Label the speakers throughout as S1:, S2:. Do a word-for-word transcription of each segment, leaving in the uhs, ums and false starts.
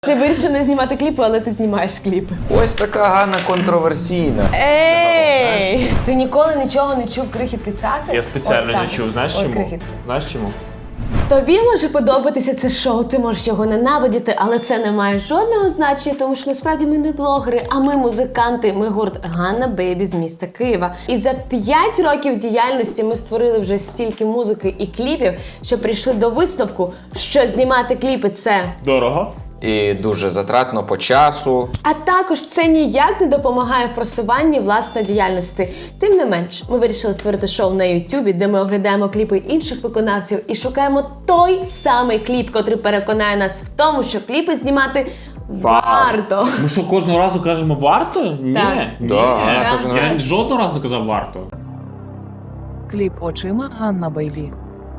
S1: Ти вирішив не знімати кліпи, але ти знімаєш кліпи.
S2: Ось така Ганна контроверсійна.
S1: Ей! Ти ніколи нічого не чув крихітки Цахи?
S3: Я спеціально
S1: О,
S3: не
S1: Цахи.
S3: чув. Знаєш
S1: Ой,
S3: чому?
S1: крихітки.
S3: Знаєш чому?
S1: Тобі може подобатися це шоу, ти можеш його ненавидіти, але це не має жодного значення, тому що насправді ми не блогери, а ми музиканти, ми гурт Ганна Бейбі з міста Києва. І за п'ять років діяльності ми створили вже стільки музики і кліпів, що прийшли до висновку, що знімати кліпи – це
S3: Дорого.
S2: І дуже затратно по часу.
S1: А також це ніяк не допомагає в просуванні власної діяльності. Тим не менш, ми вирішили створити шоу на Ютубі, де ми оглядаємо кліпи інших виконавців і шукаємо той самий кліп, котрий переконає нас в тому, що кліпи знімати варто.
S3: Ми що, кожного разу кажемо варто? Ні.
S1: Так.
S3: Ні.
S2: Да,
S3: Я,
S2: кожен
S3: я
S2: раз.
S3: жодного разу не казав варто.
S4: Кліп очима Ганна Бейлі.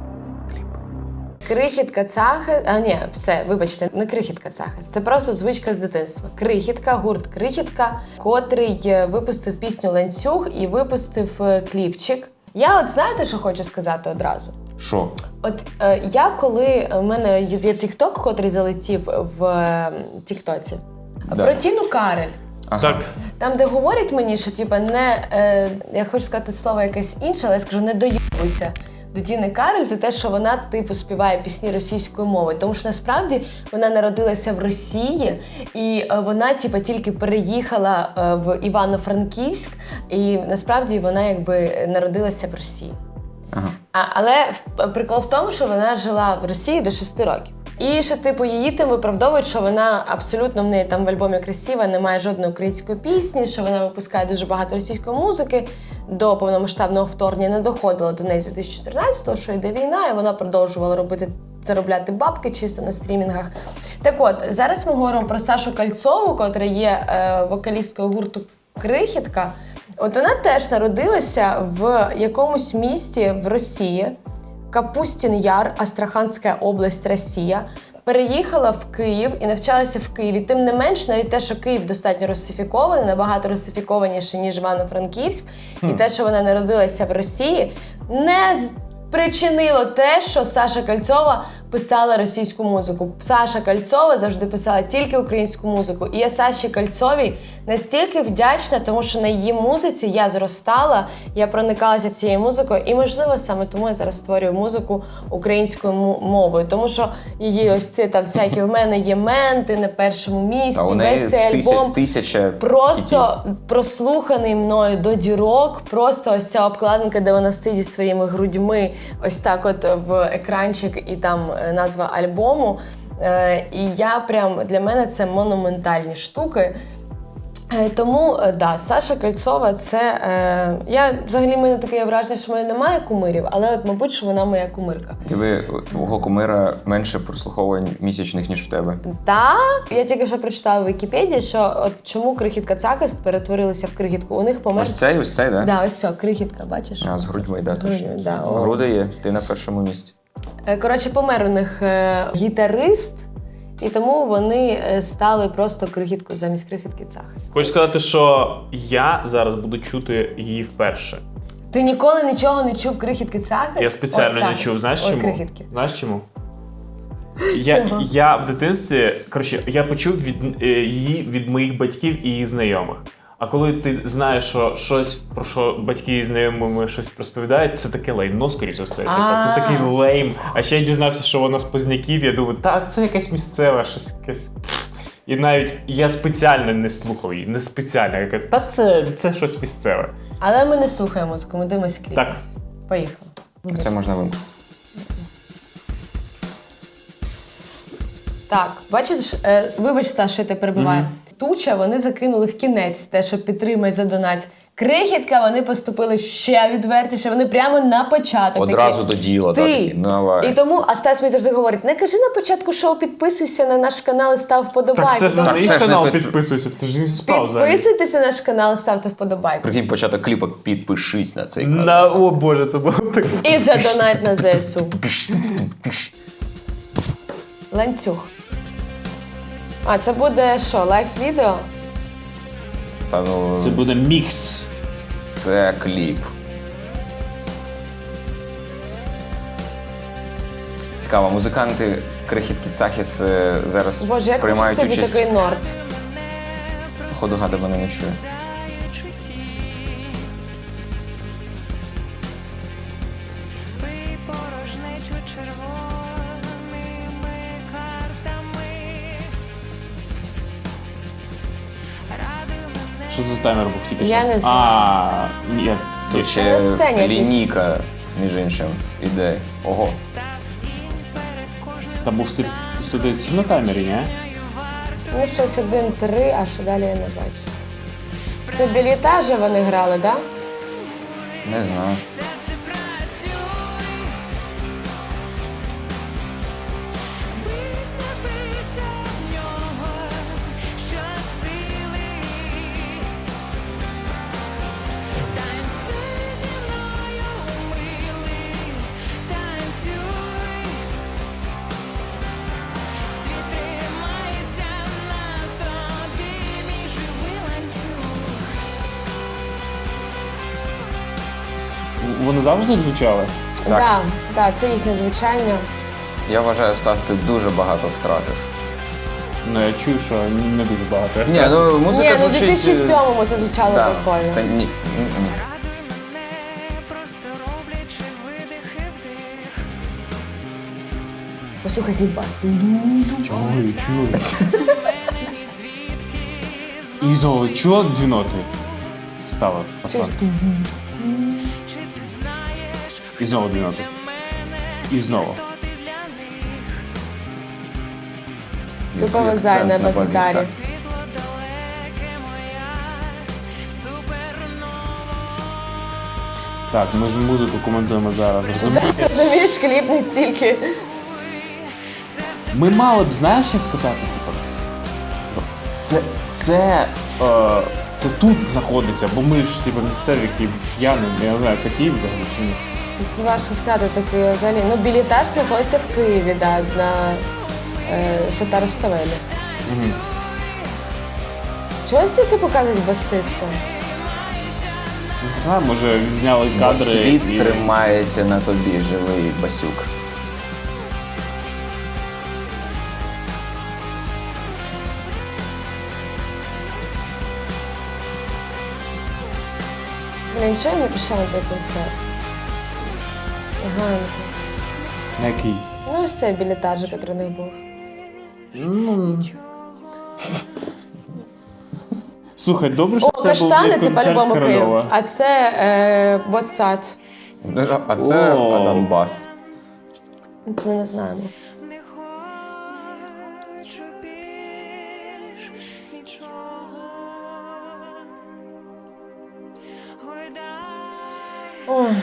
S1: Крихітка Цахи, а ні, все, вибачте, не крихітка Цахи, це просто звичка з дитинства. Крихітка, гурт Крихітка, котрий е, випустив пісню «Ланцюг» і випустив е, кліпчик. Я от знаєте, що хочу сказати одразу?
S2: Що?
S1: От е, я коли, в мене є тікток, котрий залетів в е, тіктоці,
S2: Да.
S1: про Тіну Кароль.
S2: Ага.
S3: Так.
S1: Там, де говорять мені, що типа не, е, я хочу сказати слово якесь інше, але я скажу не доїбуйся до Тіни Кароль за те, що вона типу співає пісні російською мовою. Тому що насправді вона народилася в Росії, і е, вона типа тільки переїхала е, в Івано-Франківськ, і насправді вона якби народилася в Росії.
S2: Ага.
S1: А, але в- прикол в тому, що вона жила в Росії до шести років. І що, типу, її тим виправдовують, що вона абсолютно в неї там в альбомі красива, немає жодної української пісні, що вона випускає дуже багато російської музики. До повномасштабного вторгнення не доходило до неї з дві тисячі чотирнадцятого, що йде війна, і вона продовжувала робити, заробляти бабки чисто на стрімінгах. Так от, зараз ми говоримо про Сашу Кальцову, котра є е, вокалісткою гурту Крихітка. От вона теж народилася в якомусь місті в Росії, Капустін Яр, Астраханська область, Росія. Переїхала в Київ і навчалася в Києві. Тим не менш, навіть те, що Київ достатньо русифікований, набагато русифікованіше, ніж Івано-Франківськ, і те, що вона народилася в Росії, не спричинило те, що Саша Кальцова писала російську музику. Саша Кальцова завжди писала тільки українську музику. І я Саші Кальцовій настільки вдячна, тому що на її музиці я зростала, я проникалася цією музикою, і, можливо, саме тому я зараз створюю музику українською мовою. Тому що її ось ці там всякі, в мене є менти на першому місці,
S2: Та у неї
S1: весь цей
S2: тися-
S1: альбом.
S2: тисяча
S1: Просто
S2: хітів.
S1: прослуханий мною до дірок, просто ось ця обкладинка, де вона стоїть зі своїми грудьми, ось так от в екранчик і там е, назва альбому. Е, і я прям, для мене це монументальні штуки. Е, Тому, е, да, Саша Кальцова, це, е, я, взагалі, в мене таке враження, що в мене немає кумирів, але от, мабуть, що вона моя кумирка.
S2: Тебе, твого кумира менше прослуховувань місячних, ніж в тебе.
S1: Та, я тільки що прочитала в Вікіпедії, що от чому Крихітка Цахист перетворилася в Крихітку. У них помер...
S2: Ось цей, ось цей, да?
S1: Да, ось все, Крихітка, бачиш?
S2: А, з грудьми, да, точно.
S1: Грудьми, да, о.
S2: Груди є, ти на першому місці.
S1: Е, Коротше, помер у них е, гітарист, і тому вони е, стали просто Крихіткою замість Крихітки Цахист.
S3: Хочу сказати, що я зараз буду чути її вперше.
S1: Ти ніколи нічого не чув Крихітки Цахист?
S3: Я спеціально
S1: Ой,
S3: не
S1: Цахист.
S3: чув. Знаєш
S1: Ой,
S3: чому?
S1: Крихітки.
S3: Знаєш чому? Я,
S1: Чого?
S3: я в дитинстві, коротше, я почув від, е, її від моїх батьків і її знайомих. А коли ти знаєш, що щось, про що батьки і знайомими щось розповідають, це таке лайно, скоріше за все. Типа, це
S1: А.
S3: такий лейм. А ще я дізнався, що вона з Позняків, я думаю, та це якась місцева, щось якесь. І навіть я спеціально не слухав її, не спеціально. Я кажу, та це, це щось місцеве.
S1: Але ми не слухаємо музику, ми дивимося кліп.
S3: Так.
S1: Поїхали.
S2: Це можна вимкнути.
S1: Так, бачиш, е, вибач, Саш, що я тебе перебиваю. Туча вони закинули в кінець те, що підтримай, задонать. Крихітка вони поступили ще відвертіше, вони прямо на початок.
S2: Одразу
S1: такі,
S2: до діла, так,
S1: Ти.
S2: такі, давай.
S1: І тому, а Стас мені завжди говорить, не кажи на початку шоу, підписуйся на наш канал і став вподобайку.
S3: Так це ж на
S2: Так,
S3: мій
S2: це ж не
S3: канал
S2: під-
S3: підписуйся, це ж не спав взагалі.
S1: Підписуйтеся на наш канал і ставте вподобайку.
S2: Прикинь, початок кліпа, підпишись на цей канал.
S3: На, о боже, це було так.
S1: І задонать на ЗСУ. Ланцюг. А, це буде що, лайв-відео?
S2: Та ну,
S3: Це буде мікс.
S2: це кліп. Цікаво, музиканти крихітки Цахіс е, зараз
S1: Боже, як хочу
S2: приймають
S1: собі
S2: участь.
S1: такий норд.
S2: Походу, Гада мене не чує.
S3: Що це за таймер був тільки що?
S1: Я не знаю.
S3: А, ні,
S2: Тут
S1: Це
S2: ще
S1: на сцені якийсь.
S2: лінійка, між іншим, іде. Ого.
S3: там був сто дев'ять сім на таймері, ні?
S1: Ну, щось один-три, а що далі я не бачу. Це білітажі вони грали, так? Да?
S2: Не знаю.
S3: Вони завжди звучали?
S2: Так.
S1: Да, да, це їхнє звучання.
S2: Я вважаю, Стас, ти дуже багато втратив.
S3: Ну, я чую, що не дуже багато. Я
S2: Ні,
S3: втратив.
S2: ну музика
S1: Ні, ну в
S2: звучить...
S1: дві тисячі сьомому це звучало
S2: да.
S1: прикольно.
S2: Та, ні. м-м.
S1: Послухай, який бас.
S3: Чую, чую. І знову чула дві ноти? Стала.
S1: Чуєш?
S3: І знову дві ноти. І знову.
S1: Тупо
S2: Який
S1: вязає
S2: акцент
S1: на
S2: базі,
S1: бас-гітарі.
S2: так.
S3: Так, ми ж музику коментуємо зараз. Розумієш?
S1: Розумієш, кліп не стільки.
S3: Ми мали б, знаєш, як казати, типу, це, це, е, це тут знаходиться, бо ми ж типу, місцеві київ'яни, я не знаю, це Київ взагалі чи ні?
S1: Це важко сказати таке взагалі. Ну, білітаж знаходиться в Києві, да, на е, Шатару Ставелі.
S3: Угу.
S1: Чого стільки показують басиста?
S3: Не знаю, може відзняли
S2: Бо
S3: кадри.
S2: світ
S3: і-
S2: тримається на тобі, живий басюк.
S1: Блін, чого я не пішла на той концерт? Ганка.
S3: На який?
S1: Ну, ось цей білітаж, який у них був.
S3: Ну... Слухай, добре, що
S1: О,
S3: це був
S1: каштани
S3: як
S1: це
S3: концерт
S1: по-любому Київ.
S3: Корольова.
S1: А це е, Ботсад.
S2: А це
S3: О.
S2: Адам Бас.
S1: Ми не знаємо. Ой.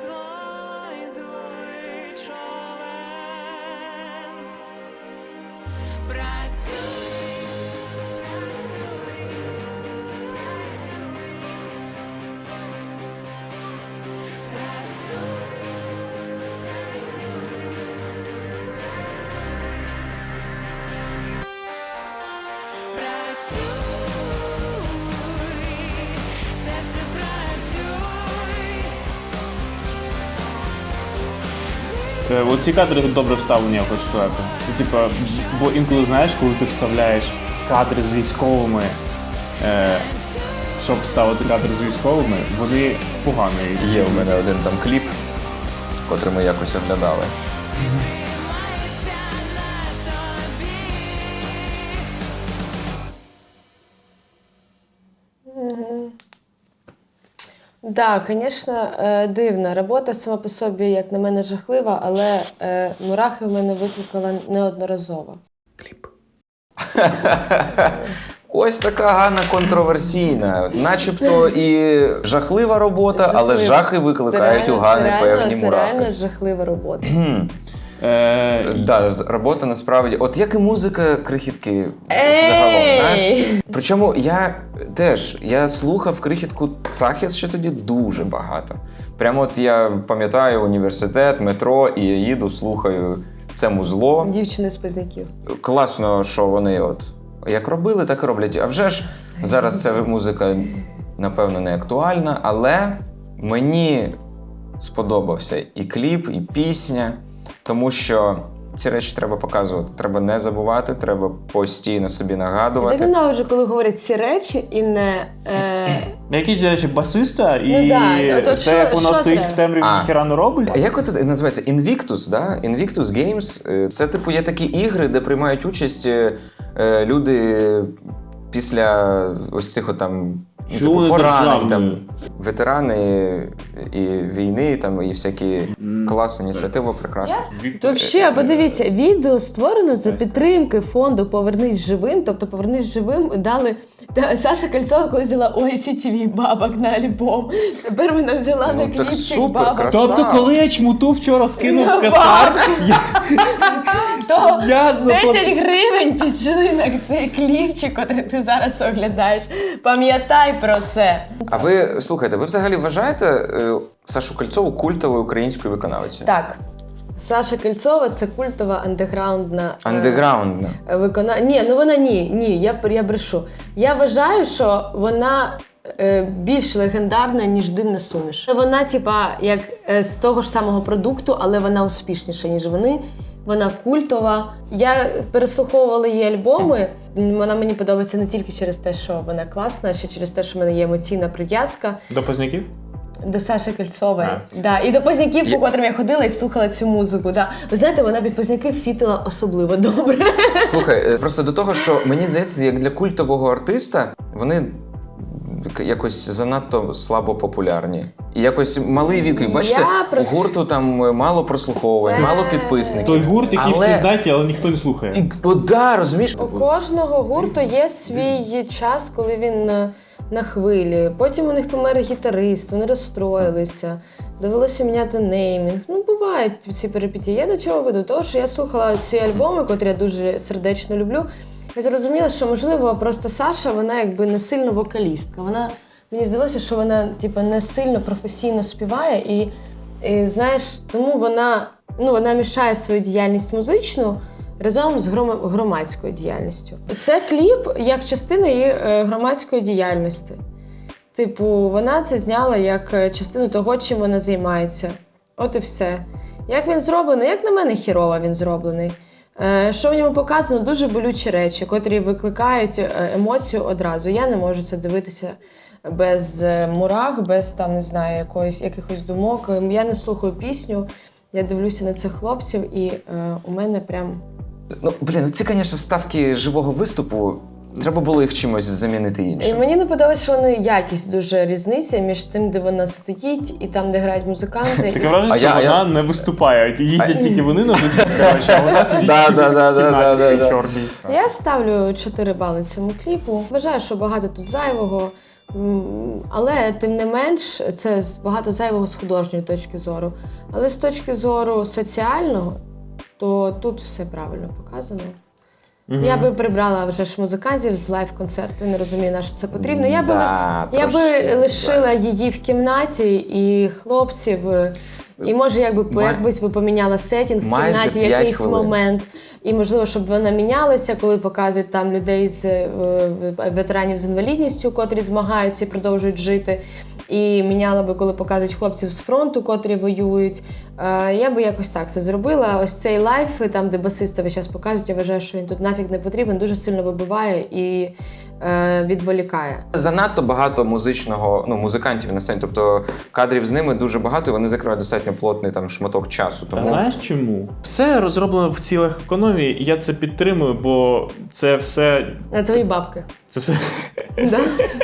S3: Е, Оці кадри добре вставлені, я хочу сказати. Ну, Типа, бо інколи знаєш, коли ти вставляєш кадри з військовими, е, щоб вставити кадри з військовими, вони погані.
S2: Є у мене один там кліп, котрий ми якось оглядали.
S1: Так, звісно, е, дивна. Робота сама по собі, як на мене, жахлива, але е, мурахи в мене викликала неодноразово.
S2: Ось така Ганна контроверсійна. Начебто і жахлива робота, але
S1: Жахлива.
S2: жахи викликають
S1: Це
S2: у
S1: реально-
S2: Гани
S1: це
S2: певні
S1: реально, Це
S2: мурахи.
S1: реально жахлива робота.
S3: Е,
S2: Да, з- робота насправді. От як і музика крихітки
S1: Ей!
S2: загалом, знаєш? Причому я теж я слухав крихітку Цахіс ще тоді дуже багато. Прямо от я пам'ятаю університет, метро, і я їду, слухаю це музло.
S1: Дівчини з Позняків.
S2: Класно, що вони от як робили, так і роблять. А вже ж зараз ця музика, напевно, не актуальна, але мені сподобався і кліп, і пісня, тому що ці речі треба показувати. Треба не забувати, треба постійно собі
S1: Я так
S2: нагадувати.
S1: ненавиджу, коли говорять ці речі і не... Е...
S3: Якісь речі басиста, і
S1: Ну да, от- от
S3: те,
S1: що-
S3: як воно
S1: що
S3: стоїть
S1: треба?
S3: в темряві,
S2: А.
S3: ніхіра не робить.
S2: А як от називається? Invictus, да? Invictus Games. Е, Це, типу, є такі ігри, де приймають участь е, е, люди після ось цих от там, ну,
S3: Що
S2: типу,
S3: вони
S2: поранень,
S3: державні?
S2: там, ветерани і війни, там, і всякі класні ініціативи, прекрасно.
S1: То ще, подивіться, відео створено за підтримки фонду «Повернись живим», тобто «Повернись живим» дали... Та, Саша Кольцова колись взяла ой сі ті ві бабок на альбом. Тепер вона взяла
S2: Ну,
S1: на
S2: так
S1: кліпчик
S2: супер,
S1: бабок.
S2: красава.
S3: Тобто, коли я чмуту вчора скинув
S1: Ну,
S3: косарь, я,
S1: То
S3: я
S1: десять гривень пішли на цей кліпчик, який ти зараз оглядаєш. Пам'ятай про це.
S2: А ви, слухайте, ви взагалі вважаєте е, Сашу Кольцову культовою українською виконавицею?
S1: Так. Саша Кольцова – це культова андеграундна е,
S2: Андеграундна.
S1: викона... Ні, ну вона ні, ні, я, я брешу. Я вважаю, що вона е, більш легендарна, ніж «Дивна суміш». Вона, типа, як е, з того ж самого продукту, але вона успішніша, ніж вони. Вона культова. Я переслуховувала її альбоми. Вона мені подобається не тільки через те, що вона класна, а ще через те, що в мене є емоційна прив'язка
S3: До позняків?
S1: до Саші Кольцової.
S3: А.
S1: Да. І до Позняків,
S2: Я-
S1: по котрим я ходила і слухала цю музику. Да. Ви знаєте, вона під Позняків фітила особливо добре.
S2: Слухай, е, просто до того, що мені здається, як для культового артиста, вони якось занадто слабо популярні. І якось малий відклик. Бачите,
S1: Я про-
S2: у гурту там мало прослуховувань,
S1: Це-
S2: мало підписників.
S3: Той гурт, який
S2: Але-
S3: всі знають, але ніхто не слухає.
S2: І, о, да, розумієш?
S1: У кожного гурту є свій час, коли він на, на хвилі. Потім у них помер гітарист, вони розстроїлися, довелося міняти неймінг. Ну, бувають ці перипетії. Я до чого веду? Того, що я слухала ці альбоми, котрі я дуже сердечно люблю. Я зрозуміла, що, можливо, просто Саша, вона якби не сильно вокалістка. Вона, мені здалося, що вона типу, не сильно професійно співає. І, і знаєш, тому вона, ну, вона мішає свою діяльність музичну разом з гром- громадською діяльністю. Це кліп як частина її е, громадської діяльності. Типу, вона це зняла як е, частину того, чим вона займається. От і все. Як він зроблений? Як на мене, хірово він зроблений. Е, Що в ньому показано? Дуже болючі речі, котрі викликають е, емоцію одразу. Я не можу це дивитися без е, мурах, без там, не знаю, якоїсь, якихось думок. Ем, Я не слухаю пісню, я дивлюся на цих хлопців, і е, у мене прям.
S2: Ну, блін, ну ці, звісно, вставки живого виступу. Треба було їх чимось замінити
S1: І
S2: іншим.
S1: мені не подобається, що вони якість дуже різниця між тим, де вона стоїть, і там, де грають музиканти.
S3: Таке враження,
S2: А
S3: що
S2: я- а
S3: вона
S2: я-
S3: не виступає. Їздять тільки вони на виступ, коротше, а вона сидить
S2: Да,
S3: тільки
S2: да, да,
S3: в
S2: да,
S3: кімнаті
S2: да,
S3: своїй
S2: да.
S3: чорній.
S1: Я ставлю чотири бали цьому кліпу. Вважаю, що багато тут зайвого, м, але тим не менш це з- багато зайвого з художньої точки зору. Але з точки зору соціального, то тут все правильно показано. Я би прибрала вже ж музикантів з лайв-концерту, не розумію, на що це потрібно. Я би,
S2: Да,
S1: лиш- я би
S2: трошки,
S1: лишила її в кімнаті і хлопців. е, І може якби по-
S2: Май-
S1: якось би поміняла сетінг в
S2: майже
S1: кімнаті в
S2: п'ять
S1: якийсь
S2: хвилин.
S1: момент. І можливо, щоб вона мінялася, коли показують там людей з е, ветеранів з інвалідністю, котрі змагаються і продовжують жити. І міняла би, коли показують хлопців з фронту, котрі воюють. Е, Я би якось так це зробила. Ось цей лайф, там, де басиста весь час показують, я вважаю, що він тут нафіг не потрібен, дуже сильно вибиває і е, відволікає.
S2: Занадто багато музичного, ну, музикантів на сцені, тобто кадрів з ними дуже багато, і вони закривають достатньо плотний там шматок часу.
S3: А
S2: Тому
S3: знаєш чому? Все розроблено в цілях економії, і я це підтримую, бо це все.
S1: На твої бабки.
S3: Це все.
S1: Да?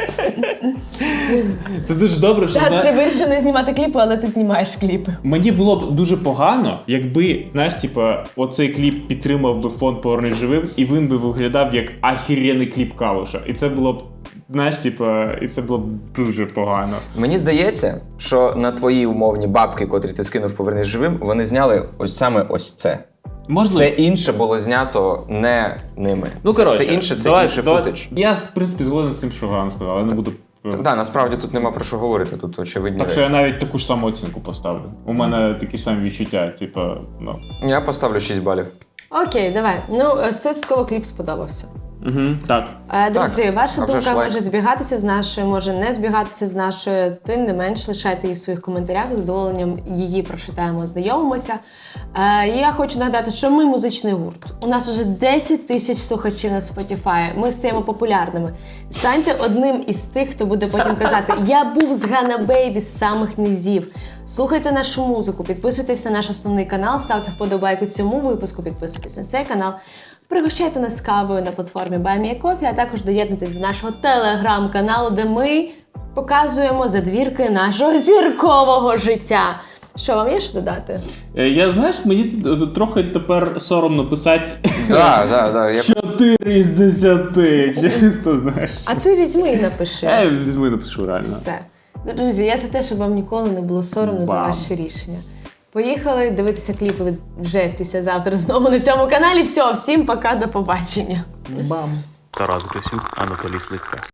S3: Це дуже добре, що
S1: Стас,
S3: зна-
S1: ти вирішив не знімати кліпи, але ти знімаєш кліпи.
S3: мені було б дуже погано, якби, знаєш, типа, оцей кліп підтримав би фонд «Повернись живим», і він би виглядав як ахірєний кліп Калуша. І це було б, знаєш, типа, і це було б дуже погано.
S2: мені здається, що на твої умовні бабки, котрі ти скинув «Повернись живим», вони зняли ось саме ось це. Все інше було знято не ними.
S3: Ну,
S2: Це-
S3: коротше,
S2: все інше це
S3: давай-
S2: інший
S3: давай-
S2: футаж.
S3: Я, в принципі, згоден з тим, що Ганна сказала, я не буду.
S2: Так, да, насправді тут нема про що говорити, тут очевидні
S3: Так
S2: речі.
S3: що я навіть таку ж саму оцінку поставлю. У мене такі самі відчуття, типа, ну.
S2: Я поставлю шість балів.
S1: Окей, давай. Ну, стовідсотково кліп сподобався.
S3: Угу, так.
S1: Е, Друзі,
S2: Так,
S1: ваша
S2: а вже
S1: думка
S2: ж лайк.
S1: може збігатися з нашою, може не збігатися з нашою. Тим не менш, лишайте її в своїх коментарях. З задоволенням її прочитаємо, знайомимося. Е, Я хочу нагадати, що ми музичний гурт. У нас уже десять тисяч слухачів на Spotify. Ми стаємо популярними. Станьте одним із тих, хто буде потім казати: я був з Ганна Бейбі з самих низів. Слухайте нашу музику, підписуйтесь на наш основний канал, ставте вподобайку цьому випуску, підписуйтесь на цей канал. Пригощайте нас кавою на платформі Buy Me a Coffee, а також доєднуйтесь до нашого телеграм-каналу, де ми показуємо задвірки нашого зіркового життя. Що, вам є що додати?
S3: Е, Я, знаєш, мені тут трохи тепер соромно писати
S2: Да, да, да. Я...
S3: чотири з десяти, чисто, знаєш.
S1: А ти візьми і напиши.
S3: Я візьму і напишу реально.
S1: Все. Друзі, я за те, щоб вам ніколи не було соромно за
S3: Бам.
S1: ваші рішення. Поїхали дивитися кліпи від- вже післязавтра знову на цьому каналі. Все, всім пока, до побачення.
S3: Бам.
S5: Тарас Грисюк, Анатолій Сливка.